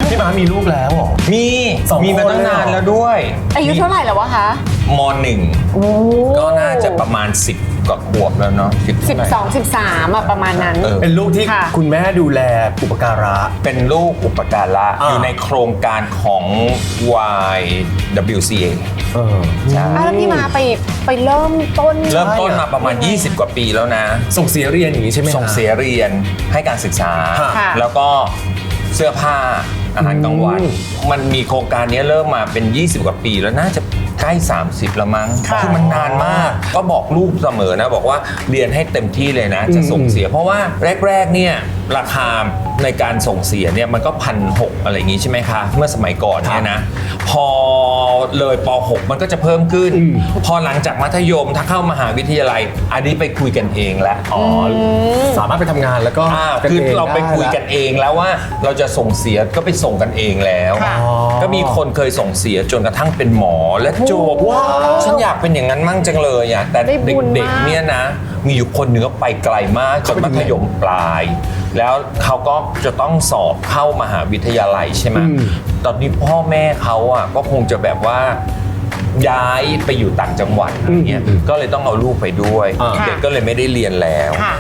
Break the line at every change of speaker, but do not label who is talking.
พี่ม้ามีลูกแล้วเหรอ
มี
สอง
มีมา
คน
ตั้ง
เลยเหรอ
นานแล้วด้วย
อายุเท่าไหร่แล้ววะคะ
ม.1 ก็น่าจะประมาณ10กว่าขวบแล้วเนาะ
12 13อะประมาณนั้น
เป็นลูกที่
ค่ะ
คุณแม่ดูแลอุปการะ
เป็นลูกอุปการะอยู่ในโครงการของ YWCA ใช่
แล้วพี่มาไปเริ่มต้น
เริ่มต้นมาประมาณ 20 กว่าปีแล้วนะ
ส่งเสียเรียนอย่างนี้ใช่ไหม
ส่งเสียเรียนให้การศึกษา
ค่ะ
แล้วก็เสื้อผ้าอาหารกลางวัน มันมีโครงการนี้เริ่มมาเป็น 20 กว่าปีแล้วน่าจะใกล้ 30 แล้วมั้ง
ค่ะ
คือมันนานมาก ก็บอกลูกเสมอนะ บอกว่าเรียนให้เต็มที่เลยนะ จะส่งเสีย เพราะว่าแรกๆเนี่ยราคาในการส่งเสียเนี่ยมันก็1,600อะไรอย่างงี้ใช่ไหมคะ เมื่อสมัยก่อนเนี่ยนะ พอเลยป .6 มันก็จะเพิ่มขึ้น พอหลังจากมัธยมถ้าเข้ามหาวิทยาลัย อันนี้ไปคุยกันเองแล้ว
อ๋อสามารถไปทำงานแล้วก็
คือเราไปคุยกันเองแล้วว่าเราจะส่งเสียก็ไปส่งกันเองแล้ว
ค่ะ
ก็มีคนเคยส่งเสียจนกระทั่งเป็นหมอและจบ
ว้าว
ฉันอยากเป็นอย่างนั้นมั่งจังเลยอ่ะแต่
ได้บุญ
เด็ก
มาก
ๆเนี่ยนะ มีอยู่คนหนึ่งก็ไปไกลมากจนมัธยมปลาย แล้วเขาก็จะต้องสอบเข้ามหาวิทยาลัยใช่ไหมตอนนี้พ่อแม่เขาอ่ะก็คงจะแบบว่าย้ายไปอยู่ต่างจังหวัดอะไรเงี้ยก็เลยต้องเอาลูกไปด้วย เด็กก็เลยไม่ได้เรียนแล้ว
ค่ะ